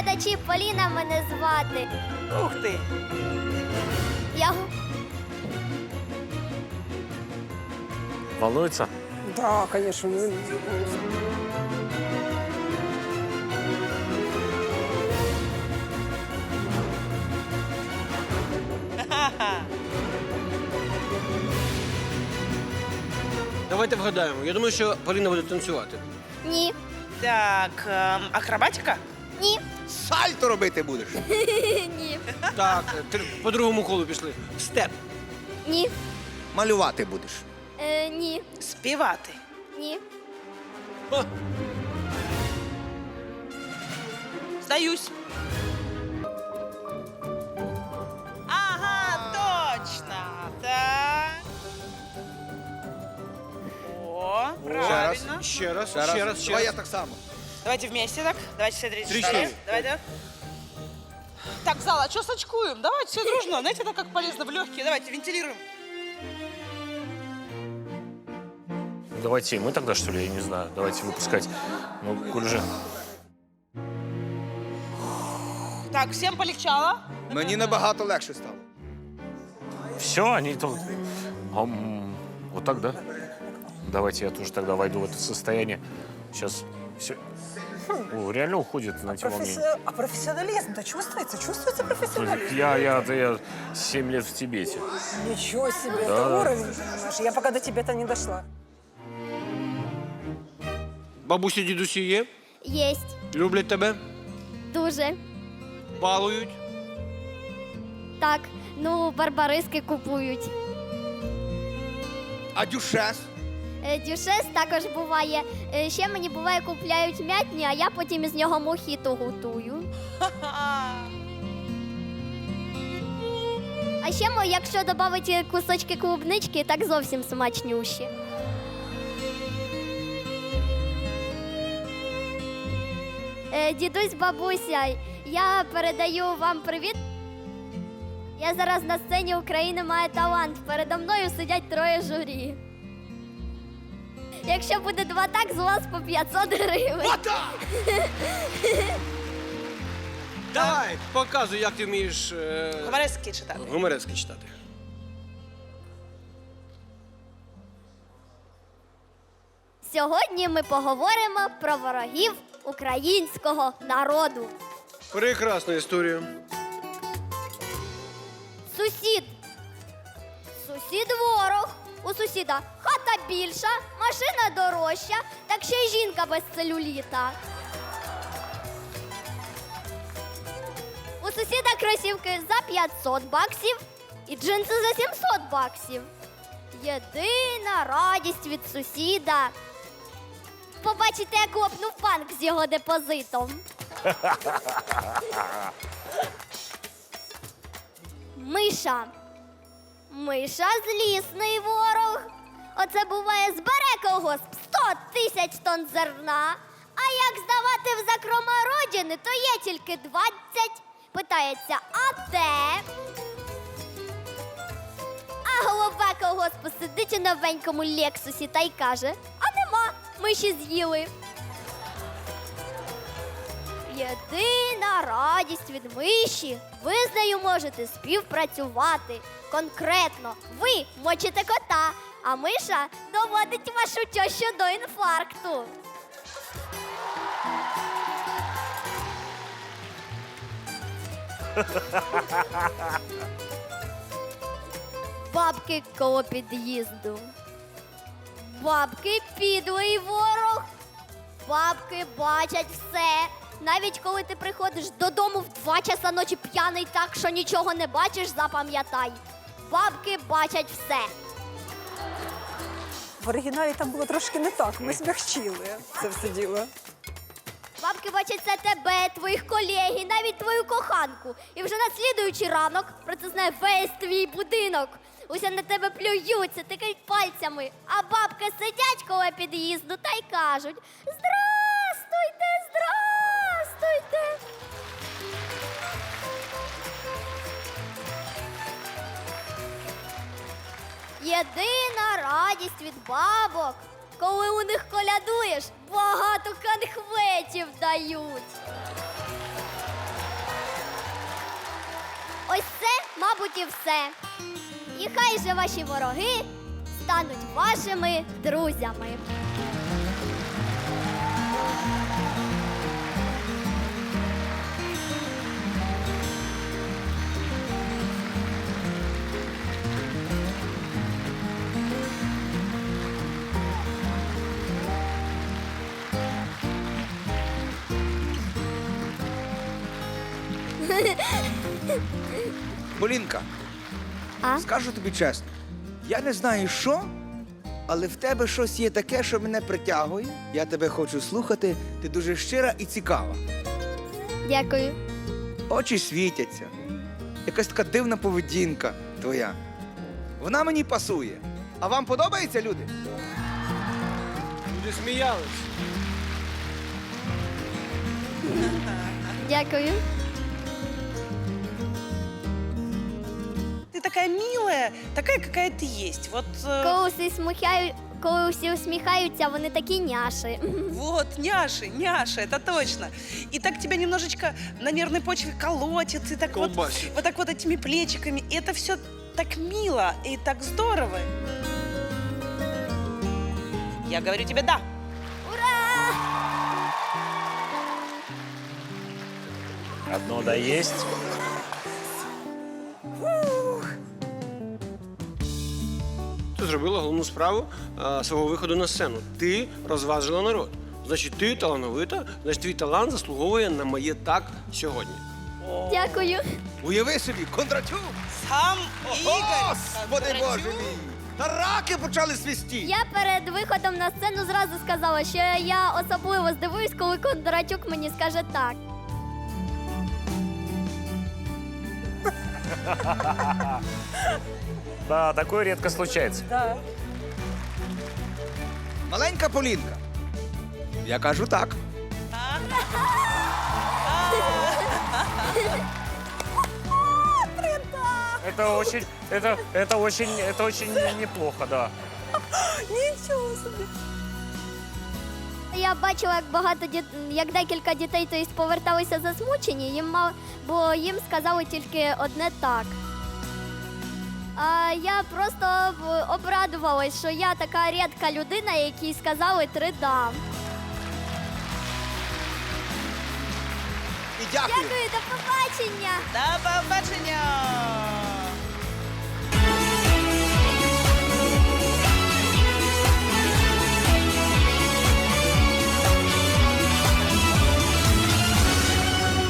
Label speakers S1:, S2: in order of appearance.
S1: глядачі, Поліна мене звати.
S2: Ух ти!
S1: Я
S3: Волнуется?
S4: Да, конечно.
S5: Давайте вгадаємо. Я думаю, що Поліна буде танцювати.
S1: ні,
S2: Так, акробатика?
S1: ні,
S6: Сальто робити будеш.
S1: ні,
S5: Так, по другому колу пішли. Степ.
S1: ні,
S6: Малювати будеш.
S1: ні,
S2: Співати.
S1: ні.
S5: О,
S2: Здаюсь. Ага, точно. Так. О, правильно.
S5: ще раз,
S6: Ще
S5: ще
S6: раз.
S5: раз, ще
S6: Давай я
S5: раз.
S6: так само.
S2: Давайте вместе так. Давайте все 34.
S5: 34.
S2: Давай, да. Так, зал, а что сочкуем? Давайте все дружно. Знаете, это как полезно в легкие. Давайте вентилируем.
S3: Давайте и мы тогда, что ли, я не знаю. Давайте выпускать. Ну, коль же...
S2: Так, всем полегчало.
S6: Мені набагато легше стало.
S3: Все, они тут... Вот так, да? Давайте я тоже тогда войду в это состояние. Сейчас все... О, реально уходит на те волнения.
S4: А профессионализм-то чувствуется? Чувствуется профессионализм?
S3: Я 7 лет в Тибете.
S4: Ничего себе,
S3: Да.
S4: это уровень, понимаешь? Я пока до тебя-то не дошла.
S5: Бабусі, дідусі є?
S1: Єсть.
S5: Люблять тебе?
S1: Дуже.
S5: Балують?
S1: Так, ну, барбариски купують.
S6: А дюшес?
S1: Дюшес також буває. Ще мені буває купляють м'ятні, а я потім із нього мохіто готую. А ще, якщо додати кусочки клубнички, так зовсім смачнющі. Дідусь, бабуся, я передаю вам привіт. Я зараз на сцені України має талант. Передо мною сидять 3 журі. Якщо буде 2 так, з вас по 500 гривень.
S5: Давай, показуй, як ти вмієш
S2: Гуморески читати.
S5: гуморески читати.
S1: Сьогодні ми поговоримо про ворогів українського народу.
S5: Прекрасна історія.
S1: Сусід. Сусід ворог. У сусіда хата більша, машина дорожча, так ще й жінка без целюліта. У сусіда кросівки за 500 баксів і джинси за 700 баксів. Єдина радість від сусіда – побачите, як лопнув банк з його депозитом. Миша. Миша злісний ворог. Оце буває, збере колгосп 100 000 тонн зерна, а як здавати в закрома родини, то є тільки 20. Питається, а де? А голова колгоспу сидить у новенькому Лексусі та й каже, а нема, миші з'їли. Єдина радість від миші – ви з нею можете співпрацювати. Конкретно, ви мочите кота, а миша доводить вашу тещу до інфаркту. Бабки коло під'їзду. Бабки підлий ворог. Бабки бачать все. Навіть коли ти приходиш додому в 2 часа ночі п'яний так, що нічого не бачиш, запам'ятай. Бабки бачать все.
S4: В оригіналі там було трошки не так. Ми змягчили це все діло.
S1: Бабки бачать це тебе, твоїх колег, і навіть твою коханку. І вже на слідуючий ранок про це знає весь твій будинок. Уся на тебе плюються, тикають пальцями. А бабки сидять коло під'їзду та й кажуть: «Здрастуйте, здрастуйте!» Єдина радість від бабок, коли у них колядуєш, багато конхветів дають. ось це, мабуть, і все. І хай же ваші вороги стануть вашими друзями.
S6: Полінка,
S1: А?
S6: скажу тобі чесно, я не знаю що, але в тебе щось є таке, що мене притягує. Я тебе хочу слухати, ти дуже щира і цікава.
S1: Дякую.
S6: Очі світяться. Якась така дивна поведінка твоя. Вона мені пасує. А вам подобається, люди?
S5: Люди сміялись.
S1: Дякую.
S2: Ты такая милая, такая, какая ты есть. Вот,
S1: Коли всі усміхаються, вони такі няші.
S2: вот, няша, это точно. И так тебя немножечко на нервной почве колотит, и так
S5: Колбасит.
S2: вот так вот этими плечиками. И это все так мило и так здорово. Я говорю тебе да.
S3: Одно да есть.
S5: Ти зробила головну справу свого виходу на сцену. Ти розважила народ. Значить, ти талановита, значить, твій талант заслуговує на моє так сьогодні.
S1: Дякую.
S6: Уяви собі, Кондратюк!
S2: Сам Игорь.
S6: Господи Боже мій! Та раки почали свисті!
S1: Я перед виходом на сцену зразу сказала, що я особливо здивуюсь, коли Кондратюк мені скаже так.
S3: Да, такое редко случается.
S2: Да.
S6: Маленька Полінка. Я кажу так.
S3: Это очень неплохо, да.
S4: Нічого собі.
S1: Я бачила, як як декілька дітей поверталися засмучені, бо їм сказали тільки одне так. А я просто обрадувалась, що я така рідка людина, якій сказали 3 да.
S6: І дякую.
S1: Дякую, до побачення!
S2: До побачення!